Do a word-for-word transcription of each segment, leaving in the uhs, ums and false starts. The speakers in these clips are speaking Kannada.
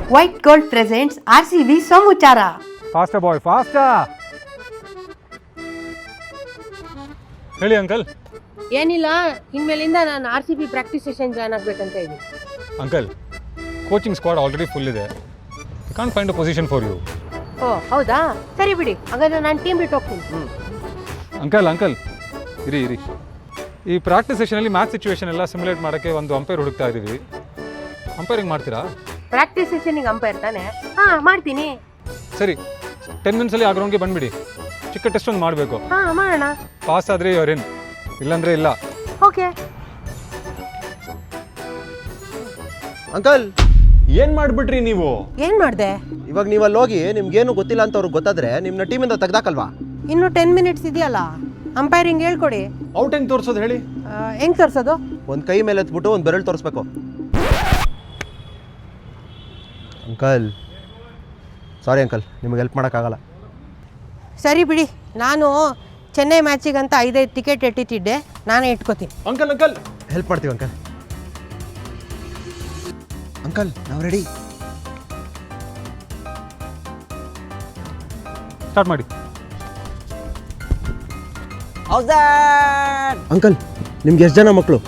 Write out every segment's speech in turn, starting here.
White gold presents R C B ಸೋಮುಚಾರ. ಫಾಸ್ಟರ್ ಬಾಯ್ ಫಾಸ್ಟಾ. ಹೇಳಿ ಅಂಕಲ್. ಏನಿಲ್ಲ, ಇನ್ಮೇಲಿಂದ ನಾನು R C B practice session join ಆಗ್ಬೇಕಂತ ಇದ್ದೀನಿ. Uncle, coaching squad already full ಇದೆ. I can't find a position for you. ಓ ಹೌದಾ, ಸರಿ ಬಿಡಿ, ಹಾಗಾದ್ರೆ ನಾನು ಟೀಮ್ ಬಿಟ್ಟು ಹೋಗ್ತೀನಿ. ಅಂಕಲ್ ಅಂಕಲ್ ಇರಿ ಇರಿ ಈ ಪ್ರಾಕ್ಟೀಸ್ ಸೆಷನಲ್ಲಿ ಮ್ಯಾಚ್ ಸಿಚುವೇಶನ್ ಎಲ್ಲ ಸಿಮ್ಯುಲೇಟ್ ಮಾಡೋಕ್ಕೆ ಒಂದು ಅಂಪೈರ್ ಹುಡುಕ್ತಾ ಇದ್ದೀವಿ. ಅಂಪೈರಿಂಗ್ ಮಾಡ್ತೀರಾ? ಪ್ರಾಕ್ಟೀಸ್ ಸೆಷನಿಗೆ ಅಂಪೈರ್ ತಾನೆ? ಹಾಂ ಮಾಡ್ತೀನಿ. ಸರಿ, ಟೆನ್ ಮಿನಿಟ್ಸಲ್ಲಿ ಆ ಗ್ರೌಂಡ್ಗೆ ಬಂದುಬಿಡಿ. ಚಿಕ್ಕ ಟೆಸ್ಟ್ ಒಂದು ಮಾಡಬೇಕು. ಹಾಂ ಮಾಡೋಣ. ಪಾಸ್ ಆದರೆ ಯುವರ್ ಇನ್, ಇಲ್ಲಾಂದರೆ ಇಲ್ಲ. ಓಕೆ ಅಂಕಲ್, ಏನ್ ಮಾಡ್ಬಿಟ್ರಿ ನೀವು? ಏನು ಮಾಡಿದೆ? ಇವಾಗ ನೀವು ಅಲ್ಲಿ ಹೋಗಿ ನಿಮ್ಗೇನು ಗೊತ್ತಿಲ್ಲ ಅಂತ ಅವ್ರಿಗೆ ಗೊತ್ತಾದ್ರೆ ನಿಮ್ನ ಟೀಮಿಂದ ತೆಗ್ದಾಕಲ್ವಾ? ಇನ್ನು ಟೆನ್ ಮಿನಿಟ್ಸ್ ಇದೆಯಲ್ಲ, ಅಂಪೈರಿಂಗ್ ಹೇಳ್ಕೊಡಿ. ಔಟ್ ಹೆಂಗ್ ತೋರ್ಸೋದು ಹೇಳಿ? ಹೆಂಗ್ ತೋರಿಸೋದು? ಒಂದು ಕೈ ಮೇಲೆ ಎತ್ಬಿಟ್ಟು ಒಂದು ಬೆರಳು ತೋರಿಸ್ಬೇಕು. ಅಂಕಲ್ ಸಾರಿ ಅಂಕಲ್, ನಿಮಗೆ ಹೆಲ್ಪ್ ಮಾಡೋಕ್ಕಾಗಲ್ಲ. ಸರಿ ಬಿಡಿ, ನಾನು ಚೆನ್ನೈ ಮ್ಯಾಚಿಗಂತ ಐದೈದು ಟಿಕೆಟ್ ಇಟ್ಟಿಟ್ಟಿದ್ದೆ, ನಾನೇ ಇಟ್ಕೋತೀನಿ. ಅಂಕಲ್ ಅಂಕಲ್ ಹೆಲ್ಪ್ ಮಾಡ್ತೀವಿ ಅಂಕಲ್. ಅಂಕಲ್ ನಾವು ರೆಡಿ. ಸ್ಟಾರ್ಟ್ ಮಾಡಿ. ಅಂಕಲ್, ನಿಮ್ಗೆ ಎಷ್ಟು ಜನ ಮಕ್ಕಳು?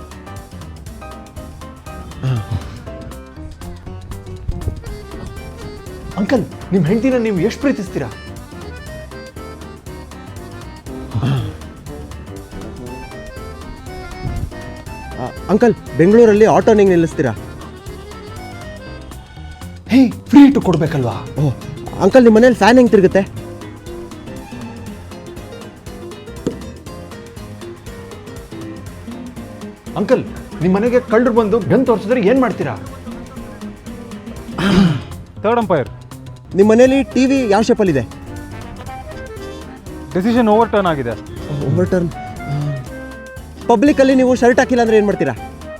ಅಂಕಲ್, ನಿಮ್ಮ ಹೆಂಡತಿನ ನೀವು ಎಷ್ಟು ಪ್ರೀತಿಸ್ತೀರಾ? ಅಂಕಲ್, ಬೆಂಗಳೂರಲ್ಲಿ ಆಟೋ ನಿಂಗೆ ನಿಲ್ಲಿಸ್ತೀರಾ? ಹೇ, ಫ್ರೀ ಇಟ್ಟು ಕೊಡ್ಬೇಕಲ್ವಾ? ಓಹ್ ಅಂಕಲ್, ನಿಮ್ಮ ಮನೇಲಿ ಫ್ಯಾನ್ ಹೆಂಗೆ ತಿರುಗುತ್ತೆ? ಅಂಕಲ್, ನಿಮ್ಮ ಮನೆಗೆ ಕಳ್ಳರು ಬಂದು ಗನ್ ತೋರಿಸಿದ್ರೆ ಏನ್ ಮಾಡ್ತೀರಾ? Third umpire. ನಿಮ್ಮ ಮನೇಲಿ ಟಿವಿ ಯಾವ ಶೇಪಲ್ಲಿದೆ? ಡೆಸಿಷನ್ ಓವರ್ ಟರ್ನ್ ಆಗಿದೆ. Over turn. ಪಬ್ಲಿಕಲ್ಲಿ ನೀವು ಶರ್ಟ್ ಹಾಕಿಲ್ಲ ಅಂದ್ರೆ ಏನು ಮಾಡ್ತೀರಾ?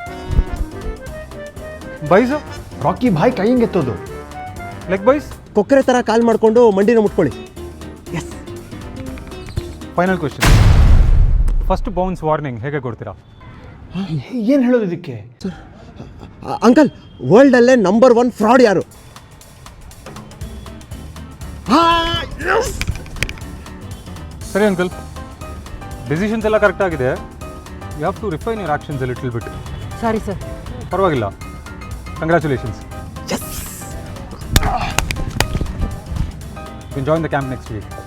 ಬೈಸು, ರಾಕಿ ಬಾಯ್ ಕೈ ಹಿಂಗೆ ಎತ್ತೋದು. ಲೆಗ್ ಬೈಸ್, ಕೊಕ್ಕರೆ ಥರ ಕಾಲ್ ಮಾಡಿಕೊಂಡು ಮಂಡಿನ ಮುಟ್ಕೊಳ್ಳಿ. Yes. Final question. First bounce warning ಹೇಗೆ ಕೊಡ್ತೀರಾ? ಏನ್ ಹೇಳೋದು ಇದಕ್ಕೆ? ಅಂಕಲ್, ವರ್ಲ್ಡಲ್ಲೇ ನಂಬರ್ ಒನ್ ಫ್ರಾಡ್ ಯಾರು? ಸರಿ ಅಂಕಲ್, ಡಿಸಿಷನ್ಸ್ ಎಲ್ಲ ಕರೆಕ್ಟ್ ಆಗಿದೆ. You have to refine your actions a little bit. Sorry sir. ಪರವಾಗಿಲ್ಲ, congratulations. You can join the camp next weak.